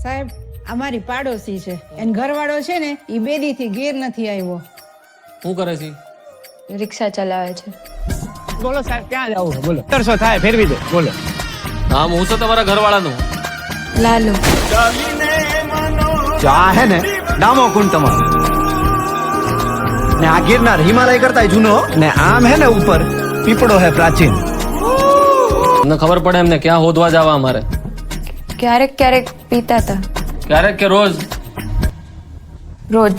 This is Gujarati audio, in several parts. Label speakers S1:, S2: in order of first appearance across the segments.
S1: સાહેબ અમારી પાડોશી છે એન ઘરવાળો છે ને ઈ બેદી થી ઘેર નથી આવ્યો.
S2: શું કરે છે?
S3: રિક્ષા ચલાવે છે.
S4: બોલો સાહેબ ક્યાં જવું બોલો 300 થાય ફેરવી દે બોલો.
S2: નામ હું છે તમારા ઘરવાળાનું?
S3: લાલુ.
S5: જો આ હે ને ડામો કુંડ તમારો ને આ ગિરનાર હિમાલય કરતા જૂનો ને આમ હે ને ઉપર પીપળો હે પ્રાચીન.
S2: તમને ખબર પડે એમને ક્યાં હોદવા જવા અમારે?
S3: ક્યારેક ક્યારેક પીતા હતા.
S2: ક્યારેક કે રોજ?
S3: રોજ.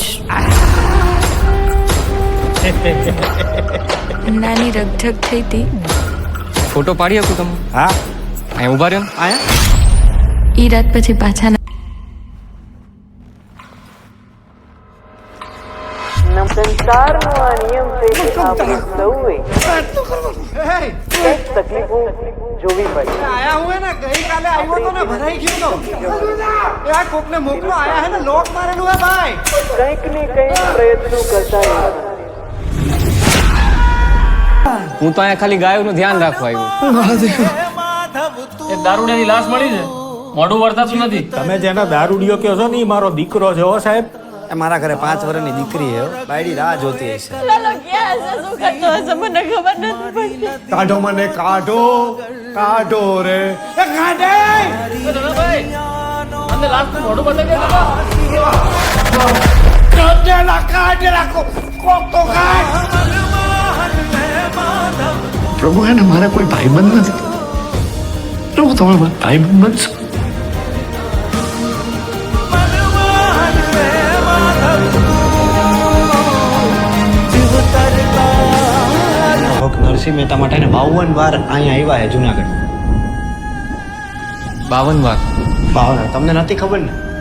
S3: નાની રગઝગ થઈ હતી.
S6: ફોટો પાડી શકું તમે?
S5: હા
S6: અહીં ઉભા રહ્યો ને.
S5: આયા
S3: ઈ રાત પછી પાછા
S7: સંસારનો આ નિયમ છે કે આપણે સૌએ કંઈક તકલીફો જોવી પડે.
S5: આયા હું હે ને ગઈકાલે આવ્યો તો ને ભરાઈ ગયો તો આ કોકને મોકલો આયા હે ને લોક મારેલું હે ભાઈ.
S7: કંઈક ને કંઈક પ્રયત્નો કરતા રહેવાના.
S6: હું તો અહીંયા ખાલી ગાયોનું ધ્યાન રાખવા આવ્યો.
S2: એક દારૂડિયાની લાશ મળી છે, મોઢું વળતાતું નથી.
S4: તમે જેનો દારૂડિયો કહો છો ને ઈ મારો દીકરો છે હો સાહેબ.
S5: મારા ઘરે 5 વર્ષની દીકરી હે બાયડી રાહ જોતી હશે. કાઢો મને કાઢો કાઢો રે એ કાઢે
S2: અમને લાશ તો મોઢું બતાવી દે.
S5: કાઢેલા કાઢેલા કોક તો કાઢ.
S8: પ્રભુ એને મારા કોઈ ભાઈબંધ નથી. પ્રભુ તમે મારા ભાઈબંધ બનશો.
S5: નરસિંહ મહેતા માટે 52 વાર અહીંયા આવ્યા હે જુનાગઢ.
S6: 52 વાર?
S5: 52 તમને નથી ખબર ને?